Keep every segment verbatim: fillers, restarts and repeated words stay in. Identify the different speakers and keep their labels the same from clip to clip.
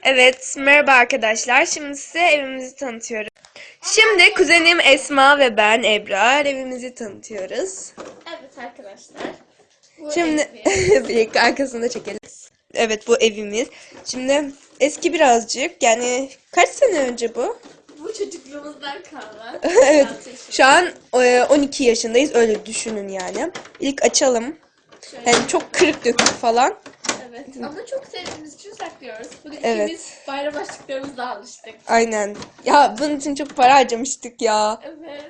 Speaker 1: Evet, merhaba arkadaşlar. Şimdi size evimizi tanıtıyorum. Şimdi kuzenim Esma ve ben Ebrar evimizi tanıtıyoruz.
Speaker 2: Evet arkadaşlar. Bu
Speaker 1: Şimdi bir arkasında çekelim. Evet, bu evimiz. Şimdi eski birazcık. Yani kaç sene önce bu?
Speaker 2: Bu çocukluğumuzdan kalma.
Speaker 1: Evet. Şu an on iki yaşındayız. Öyle düşünün yani. İlk açalım.
Speaker 2: Şöyle.
Speaker 1: Yani çok kırık dökük falan.
Speaker 2: Evet. Ama çok sevdiğimiz için saklıyoruz. Bugün
Speaker 1: Evet.
Speaker 2: ikimiz bayram başlıklarımızla alıştık.
Speaker 1: Aynen. Ya bunun için çok para harcamıştık ya.
Speaker 2: Evet.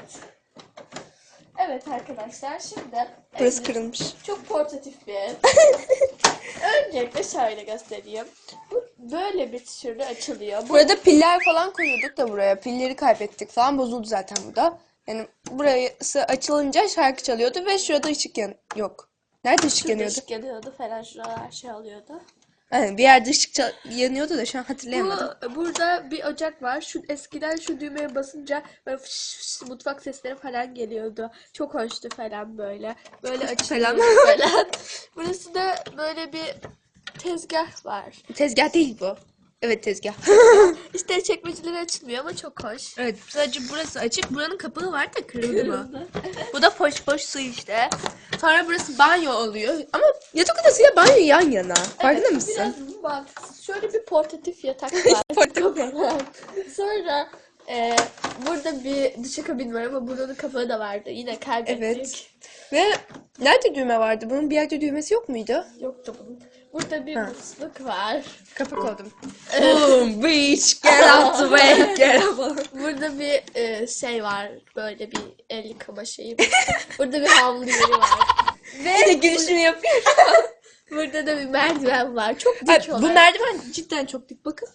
Speaker 2: Evet arkadaşlar şimdi
Speaker 1: Burası
Speaker 2: evimiz
Speaker 1: kırılmış.
Speaker 2: çok portatif bir ev. Öncelikle şöyle göstereyim. Bu böyle bir türlü açılıyor. Bu
Speaker 1: Burada piller falan koyuyorduk da buraya. Pilleri kaybettik falan. Bozuldu zaten burada. Yani burası açılınca şarkı çalıyordu ve şurada ışık yan yok. Nerede ışık
Speaker 2: şurada
Speaker 1: yanıyordu?
Speaker 2: ışık yanıyordu falan, şuralar şey oluyordu.
Speaker 1: Yani bir yerde ışık çal- yanıyordu da şu an hatırlayamadım.
Speaker 2: Bu, burada bir ocak var. Şu eskiden şu düğmeye basınca böyle fış fış mutfak sesleri falan geliyordu. Çok hoştu falan böyle. Böyle açılıyor falan. Burası da böyle bir tezgah var.
Speaker 1: Tezgah değil bu. Evet, tezgah.
Speaker 2: İşte çekmeceleri açılmıyor ama çok hoş.
Speaker 1: Evet, sadece burası açık. Buranın kapağı var da kırıldı mı?
Speaker 2: Kırıldı.
Speaker 1: Bu da poş poş su işte. Sonra burası banyo oluyor. Ama yatak odasıyla banyo yan yana. Farkında
Speaker 2: Evet,
Speaker 1: mısın?
Speaker 2: biraz mantıksız. Şöyle bir portatif yatak var.
Speaker 1: Portatif.
Speaker 2: Sonra e, burada bir duşakabin var ama buranın kapağı da vardı. Yine kaybettik.
Speaker 1: Evet. Ve nerede düğme vardı? Bunun bir yerde düğmesi yok muydu?
Speaker 2: Yoktu bunun. Burada bir
Speaker 1: Ha.
Speaker 2: musluk var.
Speaker 1: Kapak oldum. Boom, bitch, get out the way, get out.
Speaker 2: Burada bir e, şey var. Böyle bir el yıkama şeyi. Burada bir havlu yeri var.
Speaker 1: Ve gülüşünü yapıyor.
Speaker 2: Burada da bir merdiven var. Çok dik
Speaker 1: Ay,
Speaker 2: olarak.
Speaker 1: bu merdiven cidden çok dik, bakın.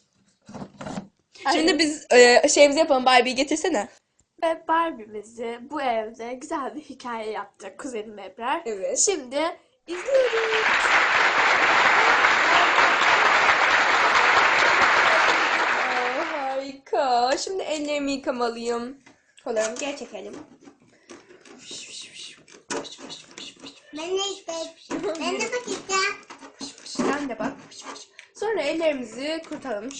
Speaker 1: Şimdi biz e, şeyimizi yapalım. Barbie'yi getirsene.
Speaker 2: Ve Barbie'mizi bu evde güzel bir hikaye yaptık kuzenim Ebrar.
Speaker 1: Evet.
Speaker 2: Şimdi izliyoruz.
Speaker 1: Aa, harika. Şimdi ellerimi yıkamalıyım. Kollarımı geri çekelim.
Speaker 3: Ben de işte, ben de bakacağım.
Speaker 1: Sen de bak. Sonra ellerimizi kurtaralım.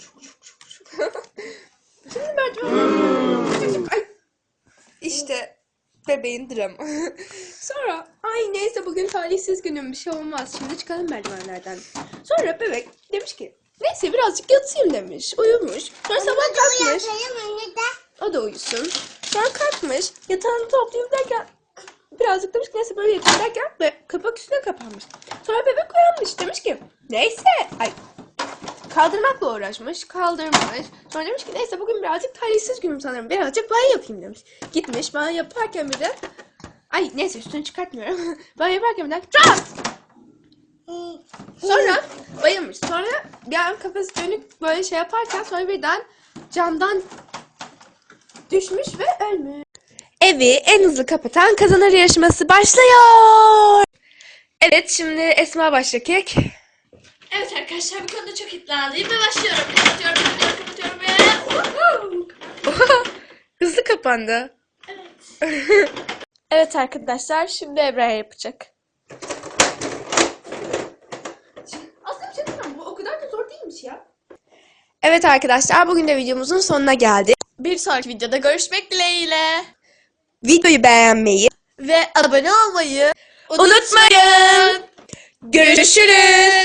Speaker 1: Şimdi merdiven. Ay. İşte bebeğin dramı. Sonra ay neyse bugün talihsiz günüm, bir şey olmaz. Şimdi çıkalım merdivenlerden. Sonra bebek demiş ki neyse birazcık yatayım demiş. Uyumuş. Sonra sabah kalkmış. O da uyusun. Sonra kalkmış. Yatağını toplayayım derken birazcık demiş ki neyse böyle yatayım derken ve kapak üstüne kapanmış. Sonra bebek uyanmış. Demiş ki neyse. Ay. Kaldırmakla uğraşmış. Kaldırmış. Sonra demiş ki neyse bugün birazcık talihsiz günüm sanırım. Birazcık banyo yapayım demiş. Gitmiş banyo yaparken bir de ay neyse üstünü çıkartmıyorum. banyo yaparken bir de Çat! Sonra bayılmış. Sonra bir an kafası dönük böyle şey yaparken sonra birden camdan düşmüş ve ölmüş. Evi en hızlı kapatan kazanır yarışması başlıyor. Evet, şimdi Esma başlayacak.
Speaker 2: Evet arkadaşlar, bu konuda çok iddialıyım ve başlıyorum. Kapatıyorum, kapatıyorum, kapatıyorum ve...
Speaker 1: Hızlı kapandı.
Speaker 2: Evet. Evet arkadaşlar, şimdi Ebrar yapacak.
Speaker 1: Aslında bir şey diyeyim mi? Bu o kadar da zor değilmiş ya. Evet arkadaşlar, bugün de videomuzun sonuna geldik.
Speaker 2: Bir sonraki videoda görüşmek dileğiyle.
Speaker 1: Videoyu beğenmeyi
Speaker 2: Ve abone olmayı
Speaker 1: unutmayın. Görüşürüz.